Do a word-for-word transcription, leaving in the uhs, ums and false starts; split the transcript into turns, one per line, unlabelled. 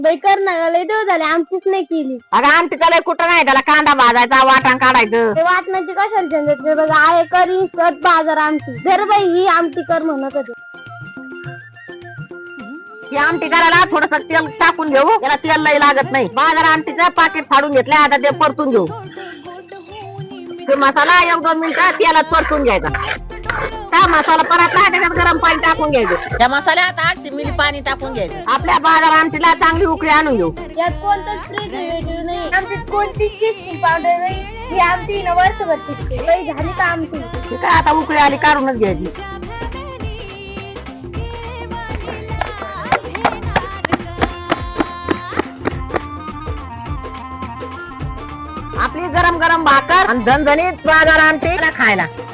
बाई कर ना ग, लय दिवस झाले आमचीच नाही केली.
अगं आमटी त्याला कुठं नाही, त्याला कांदा भाजायचा, वाटण काढायचं.
ते वाटण्याची कशाला झंझट नाही बघा, आहे करी कट बाजार आमटी. जर बाई ही आमटी कर म्हणत होते.
ही आमटी करायला थोडस तेल टाकून घेऊ, त्याला तेल लई लागत नाही. बाजार आमटीचं पाकिट फाडून घेतलंय, आता ते परतून घेऊ. ते मसाला एक दोन मिनिटं तेलात परतून घ्यायचा. का मसाला परतला त्याच्यात गरम पाणी टाकून घ्यायचं.
त्या मसाल्यात आठशे मिली पाणी टाकून घ्यायचं.
आपल्या बाजार आमटीला चांगली उकळी आणून घेऊ.
यात कोणतंच प्रिझर्वेटिव्ह नाही, आमटीत कोणतीच टेस्टिंग पावडर नाही. ही आमटी ना वर्षभर टिकते. बाई झाली का आमटी?
ठीक आहे, आता उकळी आली काढूनच घ्यायची. आपली गरम गरम भाकर आणि झणझणीत बाजार आमटी खायला.